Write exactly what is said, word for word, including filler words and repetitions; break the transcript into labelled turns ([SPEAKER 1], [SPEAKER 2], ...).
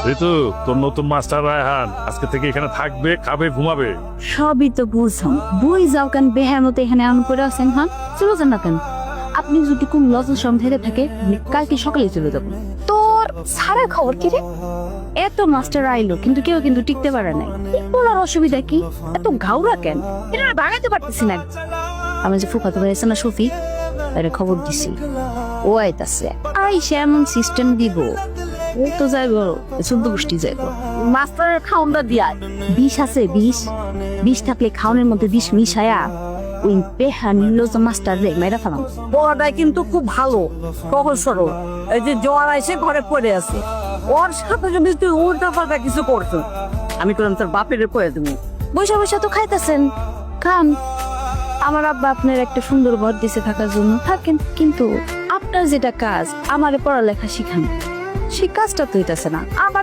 [SPEAKER 1] ঋতু, তোর নতুন মাস্টার রায়হান আজকে থেকে এখানে থাকবে, খাবে, ঘুমাবে।
[SPEAKER 2] সবই তো বুঝলাম, বই যাও কেন বেহার মতো এখানে আম করে আছেন? হ্যাঁ, চলে যান না কেন? আপনি যদি কোন লজের সম থেকে থাকে কালকে সকালে চলে যাবো। তোর সারা খবর কি রে? এত মাস্টার আইলো কিন্তু কেউ কিন্তু টিকতে পারে নাই। বলার অসুবিধা কি? এত ঘাউরা কেন? এটা ভাগাতে পারতেছি না। আমি যে ফুফাতো ভাই আছে না শফিক, তারে খবর দিছি, ও আইতাছে। আইসে এমন সিস্টেম দিব, ও তো যাইব চোদ্দ গোষ্ঠী যাইব। মাস্টারের খাওনটা দিয়া বিষ আছে, বিষ বিষ থাকলে খাওনের মধ্যে বিষ মিশায়া ওই পেহা নির্লজ্জ মাস্টার রে মেরা ফেলাম।
[SPEAKER 3] বড়াটা কিন্তু খুব ভালো, সহজ সরল। এই যে জ্বর আইসে ঘরে পড়ে আছে, ওর সাথে যদি তুই উল্টা পাল্টা কিছু করছো, আমি করলাম তোর বাপের কয়ে তুমি।
[SPEAKER 2] বৈশা বৈশা তো খাইতেছেন, খান। আমার আব্বা আপনার একটা সুন্দর ঘর দিছে থাকার জন্য থাকেন, কিন্তু আপনার যেটা কাজ আমারে পড়ালেখা শিখান, সেই কাজটা তো হইতাছে না। আমার